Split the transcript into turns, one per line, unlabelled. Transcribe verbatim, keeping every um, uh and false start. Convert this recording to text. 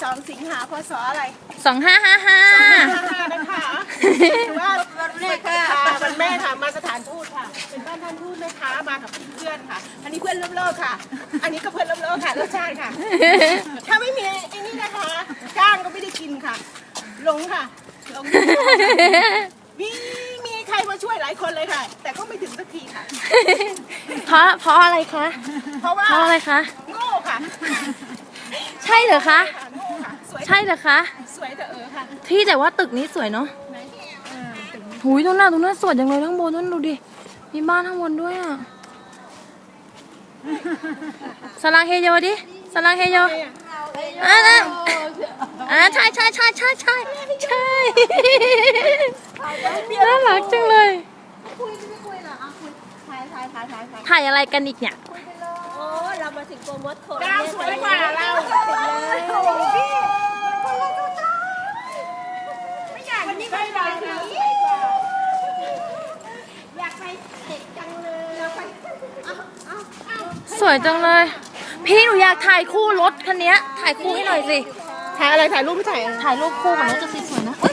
สองสิงหาพศอะไร
สองห้าห้าห้า
นะคะถือว่าวันแม่ค่ะวันแม่ค่ะมาสถานทูตค่ะเป็นบ้านท่านทูตแม่ค้ามากับเพื่อนค่ะอันนี้เพื่อนเลิกๆค่ะ อันนี้ก็เพื่อนเลิกๆค่ะรสชาติค่ะถ้าไม่มีไอ้นี่นะคะจ้างก็ไม่ได้กินค่ะหลงค่ะหลงมีมีใครมาช่วยหลายคนเลยค่ะ แต่ก็ไม่ถึงสักทีค่ะ
เพราะเพราะอะไรคะ
เพราะว่า
เพราะอะไรคะ
โง่ค่ะ
ใช่เหรอคะใช่เหรอคะ
สวยแต่เออค่ะ
ที่แต่ว่าตึกนี้สวยเนาะหุยตรงหน้าตรงหน้าสวยจังเลยข้างบนนั่นดูดิมีบ้านข้างบนด้วยอ่ะสลังเฮโยดิสลังเฮโยอ่ะนะอ่ะใช่ใช่ใช่ใช่ใช่ใช่น่ารักจังเลยถ่ายอะไรกันอีกเนี่ย
โอ้เรามาถึงโปรโมทโค
ดาวสวยกว่าเราไม่อยากวันนี้ไปดาวสวยกว่าอยากไปเด็กจังเลยอยากไป
สวยจังเลยพี่หนูอยากถ่ายคู่รถคันนี้ถ่ายคู่ให้หน่อยสิ
ถ่ายอะไรถ่ายรูปไม่ถ่าย
ถ่ายรูปคู่กับรถจะสวยๆนะ